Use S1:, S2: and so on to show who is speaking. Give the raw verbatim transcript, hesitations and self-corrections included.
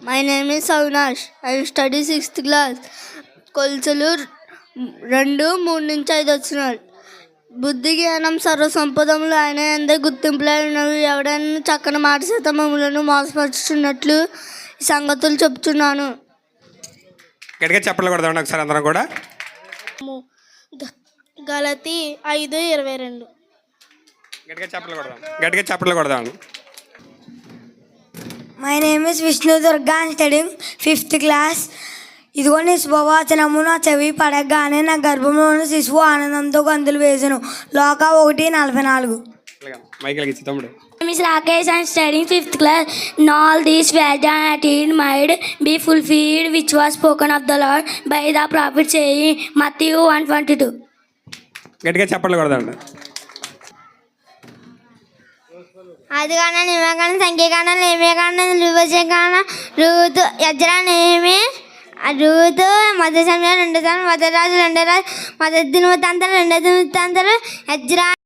S1: My name is Avinash. I study sixth class. కొలుసులు రెండు మూడు నుంచి ఐదు వచ్చినాడు. బుద్ధి జ్ఞానం సర్వసంపదములు ఆయన ఎందే గుర్తింపులైనవి. ఎవడైనా చక్కని మాట చేత మమ్మలను మోసపరుచున్నట్లు ఈ సంగతులు చెప్తున్నాను.
S2: గట్టిగా చెప్పలు కొడదాం ఒకసారి అందరం కూడా.
S1: గలతీ ఐదు ఇరవై రెండు.
S2: గట్టిగా చెప్పలు కొడదాం గట్టిగా చెప్పలు కొడదాం.
S3: My name is Vishnu Durga and studying fifth class. ఇదిగో నీ శుభవచనము నా చెవి పడగానే నా గర్భంలోని శిశువు ఆనందంతో గంతులు వేసెను. లోక ఒకటి నలభై నాలుగు.
S4: Miss Rakesh and studying fifth class. All these words that he might be fulfilled, which was spoken of the Lord by the prophet, saying, Matthew one twenty-two.
S2: గట్టిగా చెప్పలు కొడదాం.
S1: అది కాన నిమకాన సంఖ్యకాన లేమేకాన రువచకాన రూతు యజ్రా నేమే రూతు మధ్య సమయం రెండు సార్లు మధ్య రాజు రెండో రాజు మధ్య దినవృత్తాంతరం రెండో దినవృత్తాంతరం యజ్రా